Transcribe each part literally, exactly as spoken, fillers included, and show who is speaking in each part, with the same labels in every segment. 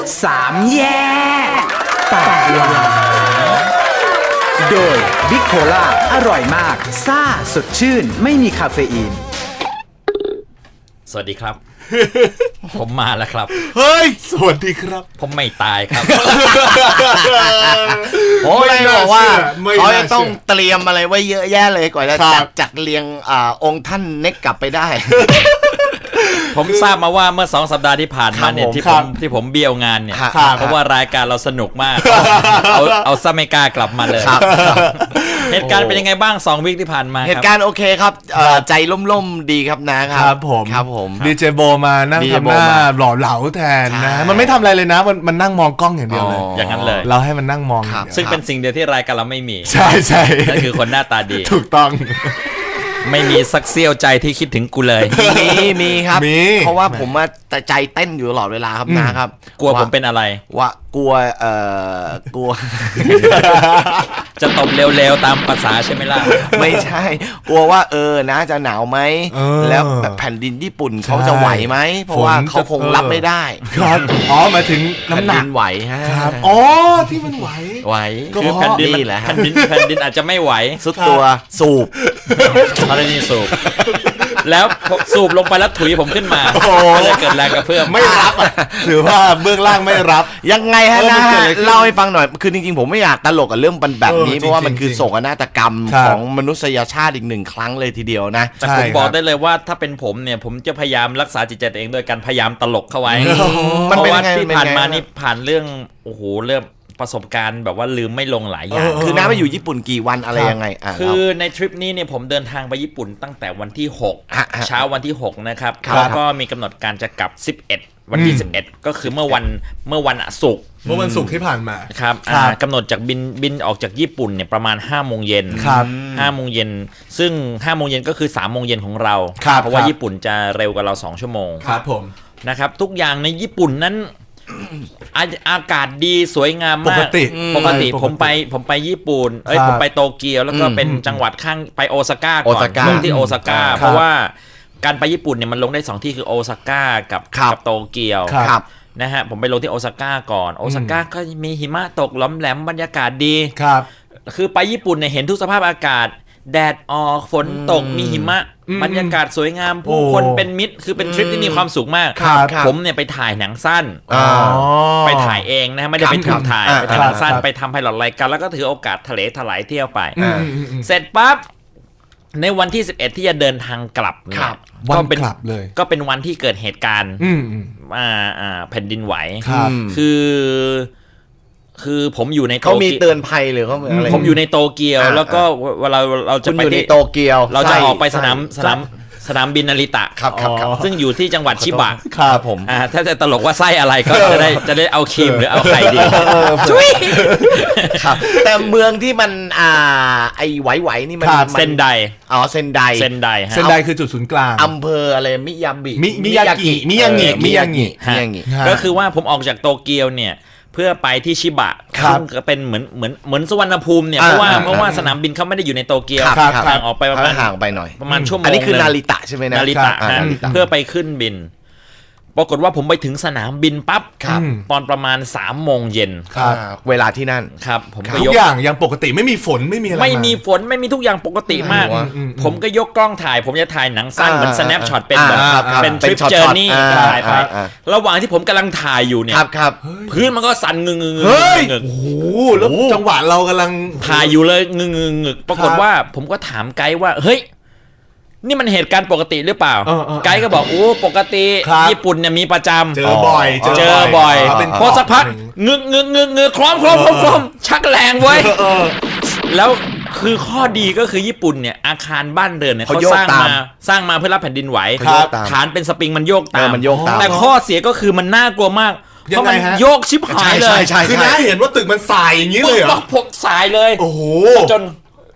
Speaker 1: สามแยกปากหวานโดยบิ๊กโคล่าอร่อยมากซ่าสดชื่นไม่มีคาเฟอีน
Speaker 2: สวัสดีครับ ผมมาแล้วครับ
Speaker 3: เฮ้ยสวัสดีครับ
Speaker 2: ผมไม่ตายครับ
Speaker 4: โอ้ยบอกว่าเขาจะต้องเตรียมอะไรไว้เยอะแยะเลยกว่าจะจัดจัดเรียงอ่าองค์ท่านเน็กกลับไปได้
Speaker 2: ผมทราบมาว่าเมื่อสองสัปดาห์ที่ผ่านมาเนี่ยที่ผมที่ผมเบี้ยวงานเนี่ยเพราะว่ารายการเราสนุกมากเอาเอาซะไม่กล้ากลับมาเลยเหตุการณ์เป็นยังไงบ้างสองวีคที่ผ่านมา
Speaker 4: เหตุการณ์โอเคครับใจล่มๆดีครับนะครับ
Speaker 3: ครับผม
Speaker 4: ครับผม
Speaker 3: ดีเจโบมานั่งทำหน้าหล่อเหลาแทนนะมันไม่ทำอะไรเลยนะมันมันนั่งมองกล้องอย่างเดียวเลย
Speaker 2: อย่างนั้นเลย
Speaker 3: เราให้มันนั่งมอง
Speaker 2: ซึ่งเป็นสิ่งเดียวที่รายการเราไม่มี
Speaker 3: ใช่ใช่
Speaker 2: นั่นคือคนหน้าตาดี
Speaker 3: ถูกต้อง
Speaker 2: ไม่มีสักเสี้ยวใจที่คิดถึงกูเลย
Speaker 4: มีมีครับเพราะว่าผมมาใจเต้นอยู่ตลอดเวลาครับนะครับ
Speaker 2: กลัวผมเป็นอะไร
Speaker 4: ว่ากลัวเอ่อกลัว
Speaker 2: จะตบเร็วๆตามภาษาใช่ไหมล่ะ
Speaker 4: ไม่ใช่กลัวว่าเออนะจะหนาวไหมแล้วแบบแผ่นดินญี่ปุ่นเขาจะไหวไหมเพราะว่าเขาคงรับไม่ได้
Speaker 3: ครับอ๋อหมายถึงน้ำหนัก
Speaker 4: ไหวฮะ
Speaker 3: ครับอ๋อที่มันไหว
Speaker 4: ไหว
Speaker 2: คือแผ่นดินแหละแผ่นดินแผ่นดินอาจจะไม่ไหว
Speaker 4: สุดตัวสูบ
Speaker 2: อะไรนี่สูบแล้วสูบลงไปแล้วถุยผมขึ้นมาก็เลยเกิดแรงกระเพื่อม
Speaker 3: ไม่รับหรือว่าเบื้องล่างไม่รับ
Speaker 4: ยังไงฮะนะเล่าให้ฟังหน่อยคือจริงๆผมไม่อยากตลกกับเรื่องแบบนี้เพราะว่ามันคือโศกนาฏกรรมของมนุษยชาติอีกหนึ่งครั้งเลยทีเดียวนะ
Speaker 2: แต่ผมบอกได้เลยว่าถ้าเป็นผมเนี่ยผมจะพยายามรักษาจิตใจตัวเองโดยการพยายามตลกเข้าไว้เพราะว่าที่ผ่านมานี่ผ่านเรื่องโอ้โหเรื่องประสบการณ์แบบว่าลืมไม่ลงหลายอย่าง
Speaker 4: คือน้าไปอยู่ญี่ปุ่นกี่วันอะไรยังไง
Speaker 2: คือในทริปนี้เนี่ยผมเดินทางไปญี่ปุ่นตั้งแต่วันที่หกเช้าวันที่หกนะครับแล้วก็มีกำหนดการจะกลับสิบเอ็ดวันที่สิบเอ็ดก็คือเมื่อวันเมื่อวันศุกร์
Speaker 3: เมื่อวันศุกร์ที่ผ่านมา
Speaker 2: ครับกำหนดจากบินบินออกจากญี่ปุ่นเนี่ยประมาณห้าโมงเย็นห้าโมงเย็นซึ่งห้าโมงเย็นก็คือสามโมงเย็นของเราเพราะว่าญี่ปุ่นจะเร็วกว่าเราสองชั่วโมง
Speaker 3: ครับผม
Speaker 2: นะครับทุกอย่างในญี่ปุ่นนั้นอากาศดีสวยงามมากปก
Speaker 3: ติ
Speaker 2: ปกติผมไปผมไปญี่ปุ่นเอ้ยผมไปโตเกียวแล้วก็เป็นจังหวัดข้างไปโอซาก้าก่อนลงที่โอซาก้าเพราะว่าการไปญี่ปุ่นเนี่ยมันลงได้สองที่คือโอซาก้ากับกับโตเกียวนะฮะผมไปลงที่โอซาก้าก่อนโอซาก้าก็มีหิมะตกล้อมแหลมบรรยากาศดี
Speaker 3: ครับ
Speaker 2: คือไปญี่ปุ่นเนี่ยเห็นทุกสภาพอากาศแดดออกฝนตกมีหิมะบรรยากาศสวยงามผู้คนเป็นมิตรคือเป็นทริปที่มีความสุขมากผมเนี่ยไปถ่ายหนังสั้นไปถ่ายเองนะไม่ได้ไปถูกถ่ายไปถ่ายหนังสั้นไปทำไพลอตรายการแล้วก็ถือโอกาสทะเลถลายเที่ยวไปเสร็จปั๊บในวันที่สิบเอ็ดที่จะเดินทางกลับเนี่ย
Speaker 3: ก็เป็นกลับเลย
Speaker 2: ก็เป็นวันที่เกิดเหตุการณ์อ่าอ่าแผ่นดินไหวคือคือผมอยู่ใน
Speaker 4: เขามีเตือนภัยหรือเขาอะไร
Speaker 2: ผมอยู่ในโตเกียวแล้วก็เวลาเราจะไป
Speaker 4: ที่โตเกียว
Speaker 2: เราจะออกไปสนามสนามสนามบินนาริตะ
Speaker 4: ครับครับ
Speaker 2: ซึ่งอยู่ที่จังหวัดชิบะ
Speaker 3: ครับผม
Speaker 2: อ่าถ้าจะตลกว่าไส้อะไรก็จะได้จะได้เอาครีมหรือเอาไข่ดี
Speaker 4: ช่วยครับแต่เมืองที่มันอ่าไอไหวๆนี่มัน
Speaker 2: เซนได
Speaker 4: อ๋อเซนได
Speaker 2: เซนได
Speaker 3: เซนไดคือจุดศูนย์กลาง
Speaker 4: อำเภออะไรมิยาบิ
Speaker 3: มิยากิมิยางิมิยางิ
Speaker 4: มิยางิ
Speaker 2: ก็คือว่าผมออกจากโตเกียวเนี่ยเพื่อไปที่ชิบะซึ่งก็เป็นเหมือนเหมือนเหมือนสุวรรณภูมิเนี่ยเพราะว่าเพราะว่าสนามบินเขาไม่ได้อยู่ในโตเกียวห่างออกไปประมาณ
Speaker 4: ห่างไปหน่อย
Speaker 2: ประมาณชั่วโมง
Speaker 4: อันนี้คือนาริตะใช่ไหมนะ
Speaker 2: นาริตะเพื่อไปขึ้นบินปรากฏว่าผมไปถึงสนามบินปั๊บตอนประมาณสามโมงเย็น
Speaker 4: เวลาที่นั่น
Speaker 2: ครับผม
Speaker 3: ทุกอย่างยังปกติไม่มีฝนไม่มีอะไร
Speaker 2: ไม่มีฝนไม่มีทุกอย่างปกติมากผมก็ยกกล้องถ่ายผมจะถ่ายหนังสั้นเหมือน snapshot เป็นแบบเป็นทริปเจอร์นี่ถ่ายไประหว่างที่ผมกำลังถ่ายอยู่เนี่ยพื้นมันก็สั่นงึงงึง
Speaker 3: เฮ้ยโอ้โหแล้วจังหวะเรากำลัง
Speaker 2: ถ่ายอยู่เลยงึงงึงงึกปรากฏว่าผมก็ถามไกด์ว่าเฮ้ยนี่มันเหตุการณ์ปกติหรือเปล่าไกด์ก็บอกโอ้ปกติญี่ปุ่นเนี่ยมีประจำ
Speaker 3: เจอบ่อย
Speaker 2: เจอบ่อยพอสักพักงึกงึกงึกงึกคล้อมคล้อมคล้อมคล้อมชักแรงไว้แล้วคือข้อดีก็คือญี่ปุ่นเนี่ยอาคารบ้านเรือนเนี่ยเขาสร้างมาสร้างมาเพื่อรับแผ่นดินไหวฐานเป็นสปริงมันโยกตามแต่ข้อเสียก็คือมันน่ากลัวมากเพราะมันโยกชิบหายเลย
Speaker 3: คือน้าเห็นว่าตึกมันสายอย่างนี้เลยเหรอ
Speaker 2: ผมสายเลย
Speaker 3: โอ้โห
Speaker 2: จน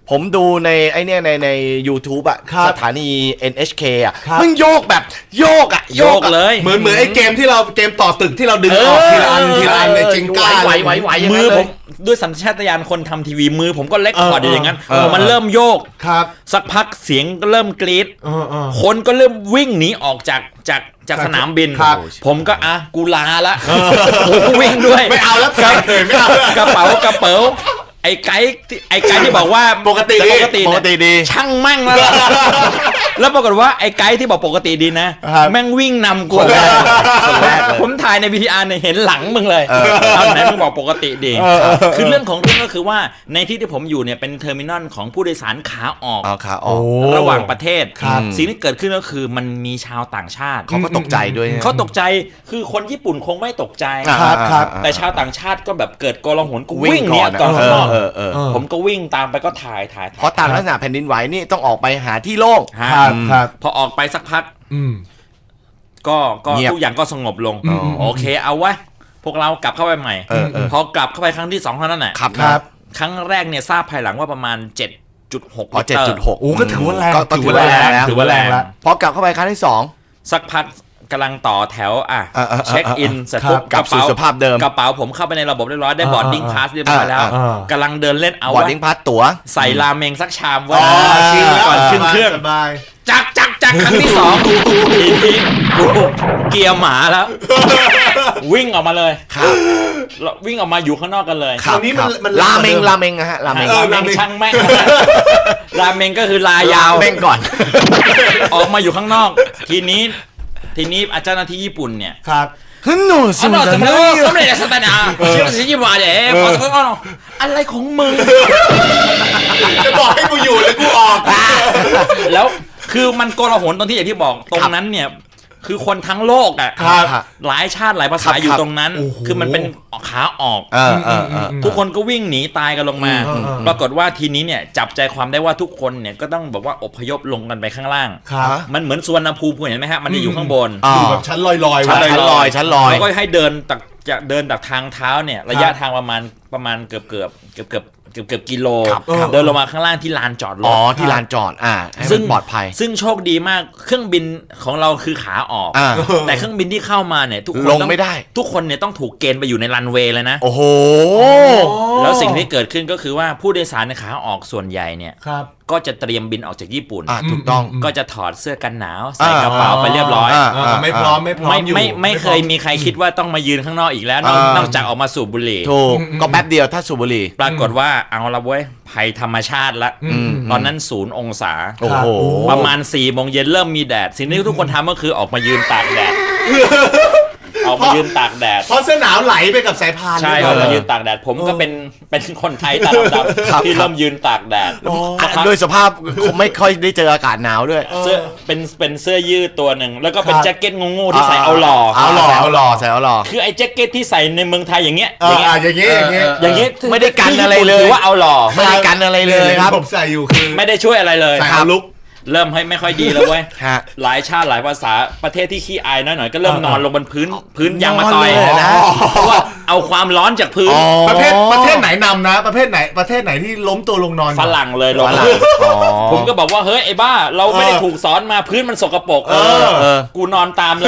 Speaker 4: ผมดูในไอเนี้ยในใน YouTube อ่ะ
Speaker 3: ครับ
Speaker 4: สถานี เอ็น เอช เค อ่ะ
Speaker 3: ครับ
Speaker 4: มันโยกแบบโยกอ่ะ
Speaker 2: โยก
Speaker 4: อะ
Speaker 2: เลย
Speaker 3: เหมือนเหมือนไอ้เกมที่เราเกมต่อตึกที่เราดึงออกทีละอันทีละอันในจิงก้า
Speaker 4: ไหวไหวไหวอย่าง
Speaker 2: มื
Speaker 4: นั้น
Speaker 2: อ
Speaker 4: เล
Speaker 2: ผ
Speaker 4: ย
Speaker 2: มด้วยสัญชาตญาณคนทำทีวีมือผมก็เล็กพอร์ดอยู่อย่างนั้น
Speaker 4: เออ
Speaker 2: พอมันเริ่มโยก
Speaker 3: ครับ
Speaker 2: สักพักเสียงก็เริ่มกรี๊ด
Speaker 3: เออเออ
Speaker 2: คนก็เริ่มวิ่งหนีออกจากจากจากสนามบิน
Speaker 3: ครับ
Speaker 2: ผมก็อ่ะกูลาละผมก็วิ่งด้วย
Speaker 3: ไม่เอาแล้วครับเลยไม่เอาแล้ว
Speaker 2: กระเป๋ากระเป๋าไอ้ไกด์ที่ไอ้ไกด์ที่บอกว่า
Speaker 3: ปกติ
Speaker 2: ปกติ
Speaker 4: ปกติดี
Speaker 2: เนี่ยช่างมั่งแล้วล่ะแล้วปรากฏว่าไอ้ไกด์ที่บอกปกติดีนะ
Speaker 3: ครับ
Speaker 2: แม่งวิ่งนำกูเลย
Speaker 4: คนแรกเลย
Speaker 2: ผมถ่ายใน วี ที อาร์ เนี่ยเห็นหลังมึงเลยเอาไหนมึงบอกปกติดี คือเรื่องของเรื่องก็คือว่าในที่ที่ผมอยู่เนี่ยเป็นเทอร์มินอลของผู้โดยสารขาออก
Speaker 4: เอาขาออก
Speaker 2: ระหว่างประเทศ
Speaker 3: ครับ
Speaker 2: สิ่งที่เกิดขึ้นก็คือมันมีชาวต่างชาติ
Speaker 4: เขาก็ตกใจด้วยนะ
Speaker 2: เขาตกใจคือคนญี่ปุ่นคงไม่ตกใจ
Speaker 4: อ่า
Speaker 3: ครับครับ
Speaker 2: แต่ชาวต่างชาติก็แบบเกิดโกลาหลก็
Speaker 4: วิ่
Speaker 2: วิ่
Speaker 4: ง
Speaker 2: ง
Speaker 4: ก่
Speaker 2: เนี่
Speaker 4: อย น
Speaker 2: ก่อนข้างนอก
Speaker 4: เออเออเออ
Speaker 2: ผมก็วิ่งตามไปก็ถ่ายถ่าย
Speaker 4: เพราะตามลักษณะแผ่นดินไหวนี่ต้องออกไปหาที่โล่ง
Speaker 2: ฮะ
Speaker 3: ครับครับ
Speaker 2: พอออกไปสักพัก
Speaker 3: อืม
Speaker 2: ก็ก็
Speaker 4: เงียบ
Speaker 2: ทุกอย่างก็สงบลง
Speaker 3: อืม
Speaker 2: โอเคเอาวะพวกเรากลับเข้าไปใหม่
Speaker 4: เออเออ
Speaker 2: พอกลับเข้าไปครั้งที่สองเท่านั้นแหละ
Speaker 4: ครับ
Speaker 3: ครับ
Speaker 2: ครั้งแรกเนี่ยทราบภายหลังว่าประมาณ เจ็ดจุดหก
Speaker 4: อ๋อเจ็ดจุดหก
Speaker 3: โอ้ก็ถือว่าแรง
Speaker 4: ก็ถือว่าแรงแล้ว
Speaker 3: ถือว่าแรงแล้ว
Speaker 4: พอกลับเข้าไปครั้งที่สอง
Speaker 2: สักพักกำลังต่อแถวอ่ะ
Speaker 4: เออเออเออ
Speaker 2: เช็คอินเสร็จ
Speaker 3: ครับ
Speaker 2: ปุ๊บ
Speaker 4: กลับสู่สภาพเดิม
Speaker 2: กระเป๋าผมเข้าไปในระบบเรียบร้อยได้
Speaker 3: อ่า
Speaker 2: บอร์ดดิ้ง
Speaker 3: อ่า
Speaker 2: พาสเรียบร้อยแล้ว
Speaker 3: อ่าอ่าก
Speaker 2: ำลังเดินเล่นเอา
Speaker 4: บอร์ด
Speaker 2: วะ
Speaker 4: ดิ้งพาสตั๋ว
Speaker 2: ใส่ราเมงสักชามวะ
Speaker 3: อ๋อ
Speaker 2: ชิมก่อนขึ้นเครื่อง
Speaker 3: สบาย
Speaker 2: จักจักจักครั้งที่สองทีนี้กูเกียร์หมาแล้ว วิ่งออกมาเลย
Speaker 4: ครับ
Speaker 2: แล้ววิ่งออกมาอยู่ข้างนอกกันเลย
Speaker 3: คราวนี้มันมัน
Speaker 4: ราเมง
Speaker 3: เดิม
Speaker 4: ราเมงอะฮะราเมง
Speaker 3: เออ
Speaker 2: ราเมงช่างแม่งราเมงก็คือลายาว
Speaker 4: เมงก่อน
Speaker 2: ออกมาอยู่ข้างนอก ทีนี้ทีนี้อาจารย์หน้าที่ญี่ปุ่นเนี่ย
Speaker 3: ครับ
Speaker 4: ฮึนโนส
Speaker 2: สำ
Speaker 4: มุ
Speaker 2: เร็จ
Speaker 4: ทร
Speaker 2: สำ
Speaker 4: เน
Speaker 2: เร็จ
Speaker 4: ย
Speaker 2: สำเร็จสตานาเชื่อสิจิวาเด๋พอสักพักอะไรของมึง
Speaker 3: จะบอกให้กูอยู่แล้วกูออก
Speaker 2: แล้วคือมันโกลาหลตรงที่อย่างที่บอกตรงนั้นเนี่ย คือคนทั้งโลกอ่ะ
Speaker 3: ครับ
Speaker 2: หลายชาติหลายภา
Speaker 4: ครั
Speaker 2: ษา
Speaker 4: บ
Speaker 2: อยู่ตรงนั้น
Speaker 3: โอ้โห
Speaker 2: คือมันเป็นขาออก
Speaker 4: เออเออเออ
Speaker 2: ทุกคนก็วิ่งหนีตายกันลงมา
Speaker 3: อืมอืม
Speaker 2: ปรากฏว่าทีนี้เนี่ยจับใจความได้ว่าทุกคนเนี่ยก็ต้องบอกว่าอพยพลงกันไปข้างล่าง
Speaker 3: ครับ
Speaker 2: มันเหมือนสุวรรณภูมิคุณเห็นไหมฮะมันจะอยู่ข้างบน
Speaker 4: อ่า
Speaker 3: อยู่แบบชั้นลอยๆ
Speaker 4: ชั้น
Speaker 3: ไว้
Speaker 4: ลอยชั้นลอย
Speaker 2: แล้วก็ให้เดินจากจากเดินจากทางเท้าเนี่ยระยะทางประมาณประมาณเกือบเกือบเกือบเกือบเกือบเกือบกิโล
Speaker 4: ครับ
Speaker 3: ครับ
Speaker 2: เดินลงมาข้างล่างที่ลานจอดร
Speaker 4: อ๋อ
Speaker 2: ถ
Speaker 4: ที่ลานจอดอ่าให้
Speaker 2: ซึ่
Speaker 4: มั
Speaker 2: ง
Speaker 4: นปลอดภัย
Speaker 2: ซึ่งโชคดีมากเครื่องบินของเราคือขาออก
Speaker 4: อ่า
Speaker 2: แต่เครื่องบินที่เข้ามาเนี่ยทุกคน
Speaker 4: ลง
Speaker 2: ต้อง
Speaker 4: ไม่ได้
Speaker 2: ทุกคนเนี่ยต้องถูกเกณฑ์ไปอยู่ในรันเวย์เลยนะ
Speaker 4: โอ้โห
Speaker 2: แล้วสิ่งที่เกิดขึ้นก็คือว่าผู้โดยสารในขาออกส่วนใหญ่เนี่ย
Speaker 3: ครับ
Speaker 2: ก็จะเตรียมบินออกจากญี่ปุ่น
Speaker 4: อ่าถูกต้อง
Speaker 2: ก็จะถอดเสื้อกันหนาวใส่กระเป๋าไปเรียบร้อย
Speaker 4: อ่า
Speaker 3: เออไม่พร้อมไม่พร้อม
Speaker 2: ไม่
Speaker 3: อยู่
Speaker 2: ไม่ไม่เคยมีใครคิดว่าต้องมายืนข้างนอกอีกแล้วนอก
Speaker 4: อ่าน
Speaker 2: นอกจากออกมาสูบบุหรี่
Speaker 4: ถูกก็แป๊บเดียวถ้าสูบบุหรี่
Speaker 2: ปรากฏว่าเอาละเว้ยภัยธรรมชาติละ
Speaker 3: อืม
Speaker 2: ตอนนั้นศูนย์องศา
Speaker 4: โอ้โห
Speaker 2: ประมาณ4ี่โมงเย็นเริ่มมีแดด สิ่งที่ทุกคนทำก็คือออกมายืนตากแดด ออกมายืนตากแดด
Speaker 3: เพราะเสื้อหนาวไหลไปกับสายพาน
Speaker 2: ใช่
Speaker 3: ด้
Speaker 2: อ
Speaker 3: ว
Speaker 2: อก
Speaker 3: ย
Speaker 2: มายืนตากแดด ผมก็เป็นเป็นคนไทยตาดำๆที่เริ่มยืนตากแดด
Speaker 4: อ่ะด้วยสภาพคงไม่ค่อยได้เจออากาศหนาวด้วย
Speaker 2: เสื้อเป็นเป็นเสื้อยืดตัวหนึ่งแล้วก็เป็น
Speaker 3: ครับ
Speaker 2: แจ็คเก็ตงูๆที่ใส่เอาหล่อ
Speaker 4: เอาหล่อเอาหล่อใส่เอาหล่อ
Speaker 2: คือไอ้แจ็คเก็ตที่ใส่ในเมืองไทยอย่างเงี้ย
Speaker 3: เอออ่ะอย่างงี้อย่างงี้
Speaker 2: อย่างเงี้ย
Speaker 4: ไม่ได้กันอะไรเลย
Speaker 2: ถือว่าเอาหล่อ
Speaker 4: ไม่ได้กันอะไรเลยครับ
Speaker 3: ผมใส่อยู่คือ
Speaker 2: ไม่ได้ช่วยอะไรเลย
Speaker 3: ใส่เอาลุก
Speaker 2: เริ่มให้ไม่ค่อยดีแล้วเว้ย
Speaker 4: ฮะ
Speaker 2: หลายชาติหลายภาษาประเทศที่ขี้อายน้อยหน่อยก็เริ่มนอนลงบนพื้นพื้นยางมะตอย
Speaker 4: นอนเลยนะ
Speaker 2: เพราะว่าเอาความร้อนจากพื้น
Speaker 4: อ๋อ
Speaker 3: ประเทศประเทศไหนนำนะ ประเทศไหนประเทศไหนที่ล้มตัวลงนอน
Speaker 2: ฝรั่งเลยลง
Speaker 4: ฝรั่งอ๋อ
Speaker 2: ผมก็บอกว่าเฮ้ยไอ้บ้า เราไม่ได้ถูกสอนมาพื้นมันสกปรก
Speaker 3: เออ
Speaker 4: เออ
Speaker 2: กูนอนตามเลย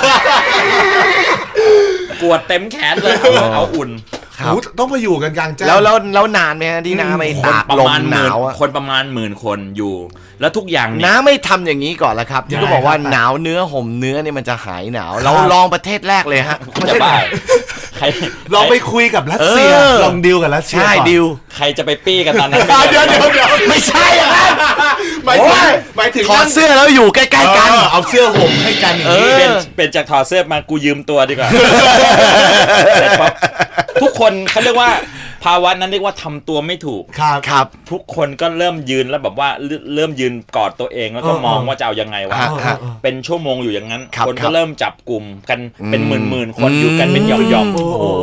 Speaker 2: กวดเต็มแขนเลยเอาเอาอุ่น
Speaker 4: ครับ
Speaker 3: โอ้ต้องไปอยู่กันกลางแจ้ง
Speaker 4: แล้วแล้วแล้วนานไหมฮะที่น้าไปตาก
Speaker 2: ประ
Speaker 4: ลม
Speaker 2: มาณ
Speaker 4: ห
Speaker 2: หมื่
Speaker 4: นาน วอะ
Speaker 2: คนประมาณหมื่นคนอยู่ แล้วทุกอย่างเนี่ย
Speaker 4: น้าไม่ทำอย่างนี้ก่อนละครับ ที่ก็บอกว่า
Speaker 3: ได้ครับ
Speaker 4: หนาวเนื้อห่มเนื้อเนี่ยมันจะหายหนาว เราลองประเทศแรกเลยฮะ
Speaker 2: จะบ้าใคร
Speaker 3: ลองไปคุยกับรัสเซีย
Speaker 4: เออ
Speaker 3: ลองดิวกับรัสเซีย
Speaker 4: ใช่
Speaker 3: ก่อน
Speaker 4: ดิว
Speaker 2: ใครจะไปปี้กันตอนนั้น
Speaker 3: อ่ะเดี๋ยวเดี๋ยวเดี๋ยว
Speaker 4: ไม่ใช่อย่างนั้น
Speaker 3: หมายถึงหมายถึง
Speaker 4: ถอดเสื้อแล้วอยู่ใกล้ๆกัน
Speaker 3: เออเอาเสื้อห่มให้กันอย่างนี้
Speaker 4: เออ
Speaker 2: เป็นเป็นจากถอดเสื้อมากูยืมตัวดีกว่า แต่พอทุกคนเขาเรียกว่าภาวะนั้นเรียกว่าทำตัวไม่ถูก
Speaker 3: ครับ
Speaker 4: ครับ
Speaker 2: ทุกคนก็เริ่มยืนแล้วแบบว่าเริ่มเริ่มยืนกอดตัวเองแล้วก็
Speaker 3: เออ
Speaker 2: มองว่าจะเอายังไงวะ
Speaker 4: ฮะฮะ
Speaker 2: เป็นชั่วโมงอยู่อย่างนั้น
Speaker 4: ครับ
Speaker 2: คน
Speaker 4: ครั
Speaker 2: ก็
Speaker 4: บ
Speaker 2: เริ่มจับกลุ่มกันเป็นห
Speaker 4: อื
Speaker 2: มื่
Speaker 4: ม
Speaker 2: นหมื่นๆคนอยู่กันเป็นหย่อมหย่อม
Speaker 3: โอ้โห
Speaker 2: ไ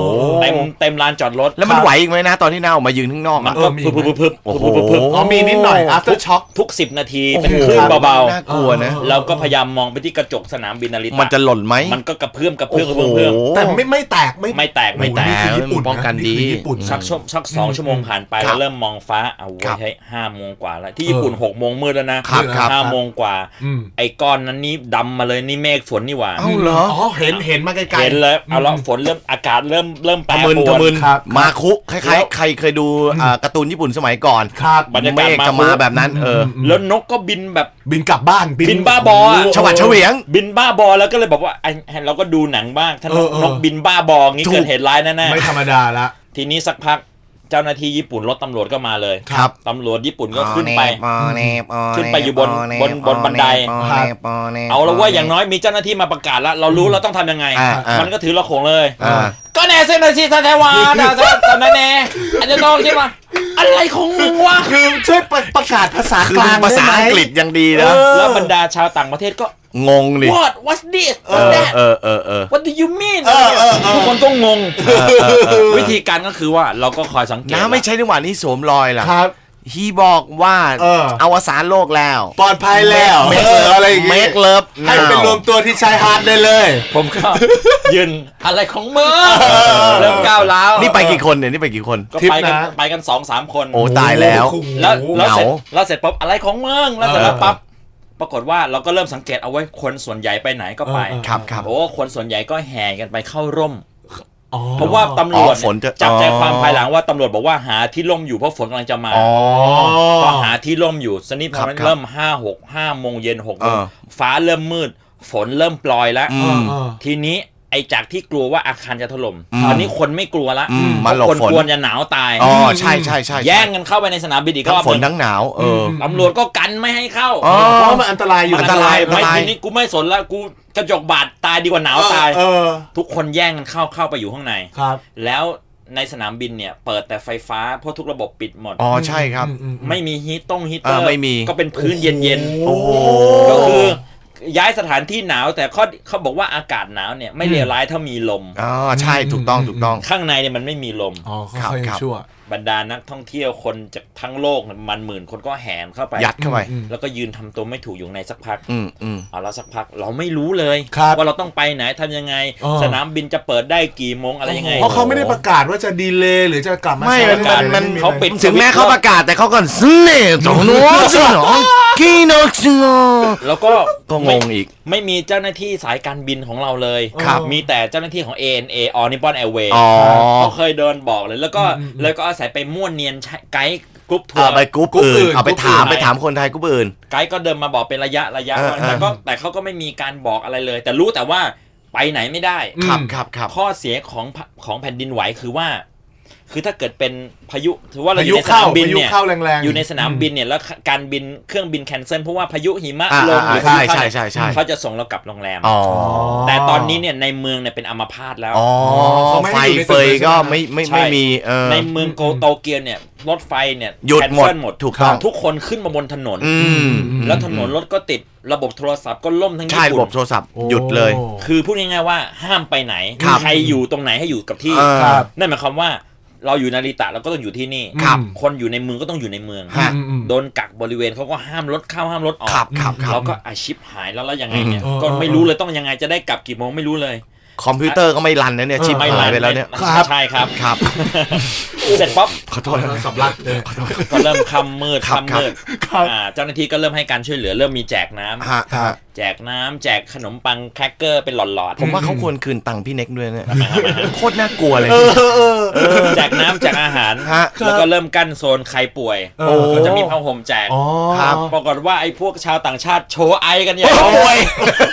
Speaker 2: เต็มเต็มลานจอดรถ
Speaker 4: แล้วมันไหวอีกไหมนะตอนที่น้าออกมายืนข้างนอก
Speaker 2: มั
Speaker 4: อะ
Speaker 2: นก็พึบพึบพึบพึบ
Speaker 4: โอ้โห
Speaker 2: พึบพึบ
Speaker 3: อ๋อมีนิดหน่อย after shock
Speaker 2: ทุกสิบนาที
Speaker 4: โอ้โห
Speaker 2: เป็นคลื่นเบา
Speaker 4: น่ากลัวนะ
Speaker 2: ๆเราก็พยายามมองไปที่กระจกสนามบินนาริตะ
Speaker 4: มันจะหล่นไหม
Speaker 2: มันก็กระเพื่อมกระเพื่อมกระ
Speaker 4: โอ้
Speaker 2: เพื่อม
Speaker 4: โห
Speaker 2: กระเพื่อม
Speaker 3: แต่ไม่ไม่แตก
Speaker 2: ไม่แตกไม่แตก
Speaker 3: นี่คือญี่ปุ่น
Speaker 4: ป้องกันดี
Speaker 3: คือญี่ปุ่น
Speaker 2: สักชั่วสักสองชั่วโมงผ่านไป
Speaker 4: ครับ
Speaker 2: เราเริ่มมองฟ้าเอา
Speaker 4: ครั
Speaker 2: ไว้
Speaker 4: บ
Speaker 2: ให้ห้าโมงกว่าแล้วที่ญี่ปุ่นหกโมงมืดแล้วนะครับ
Speaker 4: ครับ
Speaker 2: ห้าโมงกว่า
Speaker 3: อืม
Speaker 2: ไอ้ก้อนนั้นนี่ดำมาเลยนี่เมฆฝนนี่หว่า
Speaker 4: เอ้าเหรอ
Speaker 3: อ๋อเห็นเห็นมาไกลๆ
Speaker 2: เห็นเลยเอาละฝนเริ่มอากาศเริ่มเริ่มแปร
Speaker 4: ทะมึน
Speaker 2: ปรว
Speaker 4: ทะมึ
Speaker 2: น
Speaker 4: น
Speaker 3: ครับ
Speaker 4: มาคุคล้า
Speaker 2: แล้
Speaker 4: ยว ๆใครเคยดูอ่าการ์ตูนญี่ปุ่นสมัยก่อน
Speaker 3: ครับ
Speaker 2: บรรยากาศ
Speaker 4: เมฆจะมาแบบนั้น เออ
Speaker 2: แล้วนกก็บินแบบ
Speaker 3: บินกลับบ้าน
Speaker 2: บินบ้าบออะ
Speaker 4: ชวัดเฉวียง
Speaker 2: บินบ้าบอแล้วก็เลยบอกว่าไอ้เราก็ดูหนังบ้างถ้าน
Speaker 3: เอก อเออ
Speaker 2: นกบินบ้าบองี้
Speaker 4: ถูก
Speaker 2: เกิดเหตุร้ายแน่
Speaker 3: ไม่ธรรมดาละ
Speaker 2: ๆทีนี้สักพักเจ้าหน้าที่ญี่ปุ่นรถตำรวจก็มาเลย
Speaker 4: ครับ
Speaker 2: ตำรวจญี่ปุ่นก็ขึ้นไป
Speaker 4: ปอเนปอเน
Speaker 2: ขึ้นไปอยู่บน
Speaker 4: ปอเ
Speaker 2: บนบนบันได
Speaker 4: ปอเนปอเน
Speaker 2: เอาแล้วว่าอย่างน้อยมีเจ้าหน้าที่มาประกาศแล้ว เรารู้เราต้องทำยังไง
Speaker 4: อ่าอ่ามั
Speaker 2: มันก็ถือระโขงเลย
Speaker 4: อ่า
Speaker 2: ก็แน่เซนนาซีซาเทวาดาซาตอนนั้นแน่อาจจะต้องใช่ไหมอะไรของมึงวะ
Speaker 3: คือช่วยประประกาศภาษา
Speaker 4: คือก
Speaker 3: ลาง
Speaker 4: ภาษา
Speaker 3: ได้ไหม
Speaker 4: อังกฤษยังดีนะ
Speaker 3: เออ
Speaker 2: แล้วบรรดาชาวต่างประเทศก็
Speaker 4: งงดิ
Speaker 2: what what's this
Speaker 4: เอ
Speaker 2: what's
Speaker 4: อ
Speaker 2: that
Speaker 4: เออเออเออ
Speaker 2: what do you mean
Speaker 3: เออเออเออ
Speaker 2: ทุกคนก็งง
Speaker 4: เออเออเออ
Speaker 2: วิธีการก็คือว่าเราก็คอยสังเกต
Speaker 4: น้าไม่ใช่จังหวะนี้สวมรอยล่ะ
Speaker 3: ครับ
Speaker 4: ฮีบอกว่า
Speaker 3: เออ
Speaker 4: อวสานโลกแล้ว
Speaker 3: ปลอดภัยแล้ว
Speaker 4: เม
Speaker 3: เอออะไรอย่าง
Speaker 4: เม
Speaker 3: งี้
Speaker 4: กเลิฟ
Speaker 3: ให้ไปรวมตัวที่ชายหาดได้เลย
Speaker 2: ผมก็ ยืนอะไรของมึงเริ่มก้าวร้าว
Speaker 4: นี่ไปกี่คนเนี่ยนี่ไปกี่คน
Speaker 2: ก็
Speaker 3: ทริป
Speaker 2: ไปกัน
Speaker 3: นะ
Speaker 2: ไปกันสองสามคน
Speaker 4: โอ้ตายแล้ว
Speaker 3: โอ้โห
Speaker 2: แล้วแล้วเสร็จ
Speaker 4: เหงา
Speaker 2: แล้วเสร็จปั๊บอะไรของมึงแล้วเสร็จแล้ว
Speaker 3: เออ
Speaker 2: ปั๊บปรากฏว่าเราก็เริ่มสังเกตเอาไว้คนส่วนใหญ่ไปไหนก็ไป
Speaker 3: เออเออ
Speaker 4: ครับครับ
Speaker 2: โอ้คนส่วนใหญ่ก็แห่กันไปเข้าร่ม
Speaker 3: อ๋อ
Speaker 2: เพราะว่าตำรวจ
Speaker 4: อ๋อฝนจะ
Speaker 2: จับใจ
Speaker 4: อ๋อ
Speaker 2: ความภายหลังว่าตำรวจบอกว่าหาที่ร่มอยู่เพราะฝนกำลังจะมา
Speaker 4: อ๋อ
Speaker 2: พอหาที่ร่มอยู่สนิทพ
Speaker 4: ครั
Speaker 2: อบ มัน
Speaker 4: ครับ
Speaker 2: เริ่มห้าหกห้าโมงเย็นหกโมง
Speaker 4: เออ
Speaker 2: ฟ้าเริ่มมืด ฝนเริ่มปลอยแล้ว
Speaker 4: อืม
Speaker 3: เออ
Speaker 2: ทีนี้ไอ้จากที่กลัวว่าอาคารจะถล่ม
Speaker 4: อืม
Speaker 2: ตอนนี้คนไม่กลัวละ
Speaker 4: อืม
Speaker 2: เพ
Speaker 4: มา
Speaker 2: ราะ
Speaker 4: หลบ
Speaker 2: คน
Speaker 4: ฝน
Speaker 2: กลัวจะหนาวตาย
Speaker 4: อ๋อใช่ใช่ใช่
Speaker 2: แย่งกันเข้าไปในสนามบินอีกร
Speaker 4: ทั้ง
Speaker 2: อบ
Speaker 4: ฝน
Speaker 2: หนึ่ง
Speaker 4: ทั้งหนาวเออ
Speaker 2: ตำรวจก็กันไม่ให้เข้า
Speaker 4: อ๋อ
Speaker 3: เพราะมันอันตรายอยู่
Speaker 4: อันตราย
Speaker 2: ไม่ทีนี้กูไม่สนละกูกระจกบาดตายดีกว่าหนาวตาย
Speaker 3: เออ
Speaker 2: ทุกคนแย่งกันเข้าเข้าไปอยู่ข้างใน
Speaker 3: ครับ
Speaker 2: แล้วในสนามบินเนี่ยเปิดแต่ไฟฟ้าเพราะทุกระบบปิดหมด
Speaker 4: อ๋อใช่ครับ
Speaker 3: อืมอืม
Speaker 2: ไม่มีฮีตต้งฮีตเตอ
Speaker 4: เอ
Speaker 2: ร์
Speaker 4: อไม่มี
Speaker 2: ก็เป็นพื้นเย็น
Speaker 4: โอ้โห
Speaker 2: ๆก็คือย้ายสถานที่หนาวแต่เขาเขาบอกว่าอากาศหนาวเนี่ยไม่เลวร้ายถ้ามีลม
Speaker 4: อ๋อใช่ถูกต้องถูกต้อง
Speaker 2: ข้างในเนี่ยมันไม่มีลม
Speaker 3: อ๋อเขา
Speaker 4: ครับ
Speaker 3: เขายัง
Speaker 4: ครับ
Speaker 3: ชั่ว
Speaker 2: บรรดานักท่องเที่ยวคนจากทั้งโลกเนี่ยมันหมื่นคนก็แห่เข้าไป
Speaker 4: ยัดเข้าไป
Speaker 3: อืม
Speaker 2: แล้วก็ยืนทำตัวไม่ถูกอยู่ในสักพัก
Speaker 4: อืมอืม
Speaker 2: เอาแล้วสักพักเราไม่รู้เลย
Speaker 3: ครับ
Speaker 2: ว่าเราต้องไปไหนทำยังไง
Speaker 3: อ๋อ
Speaker 2: สนามบินจะเปิดได้กี่โมงอะไรยังไง
Speaker 3: เพราะเขาไม่ได้ประกาศว่าจะดีเลย์หรือจะกลับมา
Speaker 4: ไม่
Speaker 3: ใช้
Speaker 4: มัน
Speaker 3: อะไร
Speaker 4: มัน
Speaker 3: ไ
Speaker 2: เขาปิด
Speaker 4: ถึงแม้เขาประกาศแต่เขาก็สเน่ตรงนู้นสิหรอกีโนชิโน
Speaker 2: แล้วก็
Speaker 4: ก็งงอีก
Speaker 2: ไม่มีเจ้าหน้าที่สายการบินของเราเลย
Speaker 3: ครับ
Speaker 2: มีแต่เจ้าหน้าที่ของ เอ เอ็น เอ All Nippon Airways
Speaker 4: อ๋อ
Speaker 2: เขาเคยเดินบอกเลยแล้วก็แล้วก็อาศัยไปม่วนเนียนใช้ไกด์กรุ๊ปทัว
Speaker 4: เอา
Speaker 2: ร์
Speaker 4: ไปกรุ๊ป
Speaker 3: กรุ๊ปอื่
Speaker 4: อื่น
Speaker 3: น
Speaker 4: เอาไป
Speaker 3: กรุ๊ป
Speaker 4: ถาม
Speaker 3: อื่น
Speaker 4: ไปถามคนไทยกรุ๊ปอื่น
Speaker 2: ไกด์ก็เดินมาบอกเป็นระยะระยะ
Speaker 4: เออ
Speaker 2: ว่าแต่ก็แต่เขาก็ไม่มีการบอกอะไรเลย แต่รู้แต่ว่าไปไหนไม่ได้
Speaker 4: ครับครับครับ
Speaker 2: ข้อเสียของพะของแผ่นดินไหวคือว่า คือถ้าเกิดเป็นพายุถือว่าเรา
Speaker 3: พา
Speaker 2: อ
Speaker 3: ยุ
Speaker 2: ยู่ในส
Speaker 3: เข้าน
Speaker 2: ามบิน
Speaker 3: พายุ
Speaker 2: เนี่ย
Speaker 3: เข้าแรงๆ
Speaker 2: อยู่ในสนามบินเนี่ยแล้วการบินเครื่องบินแคนเซิลเพราะว่าพายุหิมะ
Speaker 4: อ่า
Speaker 2: ลงหรือ
Speaker 4: ใช่
Speaker 2: พายุเข้า
Speaker 4: ใช่ใช่ใช่
Speaker 2: เขาจะส่งเรากลับโรงแรม
Speaker 4: อ๋อ
Speaker 2: แต่ตอนนี้เนี่ยในเมืองเนี่ยเป็นอัมพาตแล้ว
Speaker 4: อ๋อ
Speaker 3: เขาไม่
Speaker 4: ไฟ
Speaker 3: ให้อยู่ใน
Speaker 4: เฟย
Speaker 3: ตึกเลย
Speaker 4: ก็
Speaker 3: ใช่ไหม
Speaker 4: ไม่ไม่
Speaker 2: ใช่
Speaker 4: ไม่มีเออ
Speaker 2: ในเมืองโกโตเกียวเนี่ยรถไฟเนี่ย
Speaker 4: หยุด
Speaker 2: แคน
Speaker 4: หมด
Speaker 2: เซิลหมด
Speaker 4: ถูกต้อง
Speaker 2: ทุกคนขึ้นมาบนถนน
Speaker 4: อืม
Speaker 2: แล้วถนนรถก็ติดระบบโทรศัพท์ก็ล่มทั้ง
Speaker 4: ใช่
Speaker 2: ญี่
Speaker 4: ระบ
Speaker 2: ปุ่
Speaker 4: บ
Speaker 2: น
Speaker 4: โทรศัพท์
Speaker 3: โอ้
Speaker 4: หยุดเลย
Speaker 2: คือพูดง่ายๆว่าห้ามไปไหน
Speaker 4: ครับ
Speaker 2: ใครอยู่ตรงไหนให้อยู่กับที่
Speaker 4: เออ
Speaker 3: ครับ
Speaker 2: นั่นหมายความว่าเราอยู่นาริตะเราก็ต้องอยู่ที่นี่
Speaker 4: ครับ
Speaker 2: คนอยู่ในเมืองก็ต้องอยู่ในเมือง
Speaker 4: ฮะ
Speaker 3: อืมอืม
Speaker 2: โดนกักบริเวณเขาก็ห้ามรถเข้าห้ามรถออก
Speaker 4: ครับครับครับ
Speaker 2: เราก็อาชิปหายแล้วแล้วยังไงเนี่ย
Speaker 3: อืม
Speaker 2: ก็ไม่รู้เลยต้องยังไงจะได้กลับกี่โมงไม่รู้เลย
Speaker 4: คอมพิวเตอร์ก็ไม่รันนะเนี่ยชิป
Speaker 2: ไม่
Speaker 4: หายไป
Speaker 2: รัน
Speaker 4: แล้วเนี่ย
Speaker 3: ครับ
Speaker 2: ใช่ครับ
Speaker 4: ครับ
Speaker 2: เสร็จป๊อป
Speaker 4: ขอโทษนะ
Speaker 3: สำลักเลย
Speaker 2: ก็เริ่มคำมืด
Speaker 4: ครับ
Speaker 2: คำมืด
Speaker 3: ครับ
Speaker 2: อ่าเจ้าหน้าที่ก็เริ่มให้การช่วยเหลือเริ่มมีแจกน้ำ
Speaker 4: ฮะฮะ
Speaker 2: แจกน้ำแจกขนมปังแครกเกอร์เป็นหลอดๆ
Speaker 4: ผมว่าเขาควรคืนตังค์พี่เน็กด้วยเนี่ยโคตรน่ากลัวเลย
Speaker 2: แจกน้ำแจกอาหาร
Speaker 4: ฮะ
Speaker 2: แล้วก็เริ่มกั้นโซนใครป่วย
Speaker 3: โอ้
Speaker 2: ก็จะมีผ้าห่มแจก
Speaker 3: อ๋อ
Speaker 4: ครับ
Speaker 2: ปรากฏว่าไอ้พวกชาวต่างชาติโชว์ไอกันอย่าง
Speaker 4: โอ้ย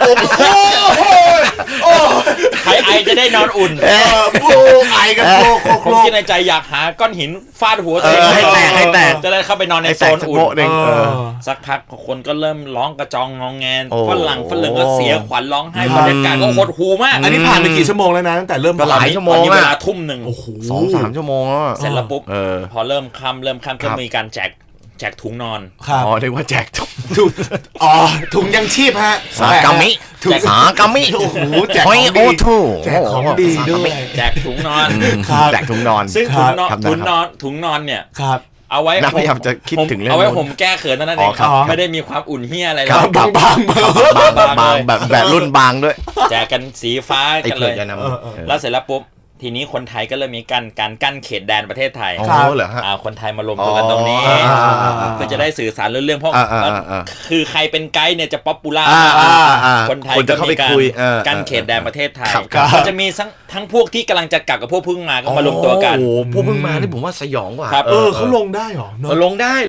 Speaker 2: ใครไอจะได้นอนอุ่น
Speaker 3: เออโอ้ไอกันโคโค
Speaker 2: ผ
Speaker 3: โค
Speaker 2: มคิดในใจอยากหาก้อนหินฟาดหัว
Speaker 4: เอ
Speaker 2: ตัวเอง
Speaker 4: อให้แตกให้แตก
Speaker 2: จะได้เข้าไปนอนใน
Speaker 4: ไอ้
Speaker 2: โซ
Speaker 4: แตก
Speaker 2: น
Speaker 4: สัก
Speaker 2: อุ่น
Speaker 4: โบะหนึ่งเออ
Speaker 2: สักพักคนก็เริ่มร้องกระจองงองแงน
Speaker 4: โอ้
Speaker 2: ฝรั่งฝรั่งก็เสียขวัญร้องไห้
Speaker 3: ครับ
Speaker 2: บรรยากาศก็หดหูมาก
Speaker 3: อันนี้ผ่านไปกี่ชั่วโมงแล้วนะตั้งแต่เริ่ม
Speaker 4: ก็หลาย
Speaker 3: ผ่น
Speaker 4: ชั่วโมง
Speaker 2: ตอนนี้
Speaker 4: อะ
Speaker 2: เวลาทุ่มหนึ่ง
Speaker 3: โอ้โห
Speaker 4: สองสามชั่วโมงแล้วอะ
Speaker 2: เสร็จแล้วปุ๊บ
Speaker 4: เออ
Speaker 2: พอเริ่มค่ำเริ่มค่ำ
Speaker 4: ครั
Speaker 2: ก็
Speaker 4: บ
Speaker 2: มีการแจกแจกถุงนอน
Speaker 3: ครับ
Speaker 4: อ๋อเรียกว่าแจกถุง
Speaker 3: ถุงอ๋อถุงยังชีพฮะ
Speaker 4: สากามิ
Speaker 3: ถุง
Speaker 4: สากามิ
Speaker 3: โอ้โหแจก
Speaker 4: โอ้
Speaker 3: ข
Speaker 4: ย
Speaker 3: อง
Speaker 4: โอ้
Speaker 3: ดี
Speaker 4: ทู
Speaker 3: แจกของดีด้วย
Speaker 2: แจกถุงนอน
Speaker 3: ครับ
Speaker 4: แจกถุงนอน
Speaker 2: ซึ่ง
Speaker 3: ครั
Speaker 2: ถุ
Speaker 3: บ
Speaker 2: งนอน
Speaker 4: ครับ
Speaker 2: ถุงนอนถุงนอนเนี่ย
Speaker 3: ครับ
Speaker 2: เอาไว้
Speaker 4: น่าพยายามจะคิดถึงเรื่อง
Speaker 2: เอาไว้
Speaker 4: นู้น
Speaker 2: ผมแก้เขินเท่านั้นเอ
Speaker 4: อ๋อง ครับ
Speaker 2: ไม่ได้มีความอุ่นเฮียอะไรเล
Speaker 4: ครั
Speaker 2: ย
Speaker 4: บ
Speaker 3: บางบางๆเบอร์
Speaker 2: บาง
Speaker 4: บาง
Speaker 2: ๆเลย
Speaker 4: แบบแบบรุ่นบางด้วย
Speaker 2: แจกกันสีฟ้า
Speaker 4: ไอ้
Speaker 2: กัน
Speaker 4: เผื
Speaker 2: เล
Speaker 4: อก
Speaker 2: ย
Speaker 4: จะนำ
Speaker 3: เออเออ
Speaker 2: แล้วเสร็จแล้วปุ๊บทีนี้คนไทยก็เริ่มมีการการกั้นเขตแดนประเทศไทย
Speaker 4: อ๋อ
Speaker 3: ครับ
Speaker 4: เหรอฮะ
Speaker 2: อ่าคนไทยมารวมตัวกันตรงนี้
Speaker 4: อ๋ออ่าอ่าอ่า
Speaker 2: เพื่อจะได้สื่อสารเรื่องเพราะ
Speaker 4: อ่าอ่าอ่า
Speaker 2: คือใครเป็นไกด์เนี่ยจะป๊อปปูล่า
Speaker 4: อ่าอ่าอ่า
Speaker 2: คนไทย
Speaker 4: คนจะเข้าไป
Speaker 2: ก็มี
Speaker 4: คุย
Speaker 2: การ
Speaker 4: เออ
Speaker 2: กั้นเขตแดนประเทศไทย
Speaker 4: ครับครับ
Speaker 2: ก็จะมีทั้งทั้งพวกที่กำลังจะกลับกับพวกเพิ่งมาก็มารวมตัวกัน
Speaker 4: โอ้โหพวกเพิ่งมานี่ผมว่าสยองกว่า
Speaker 2: ครับ
Speaker 3: เออเขาลงได้เหรอเนอะ
Speaker 4: ลงได้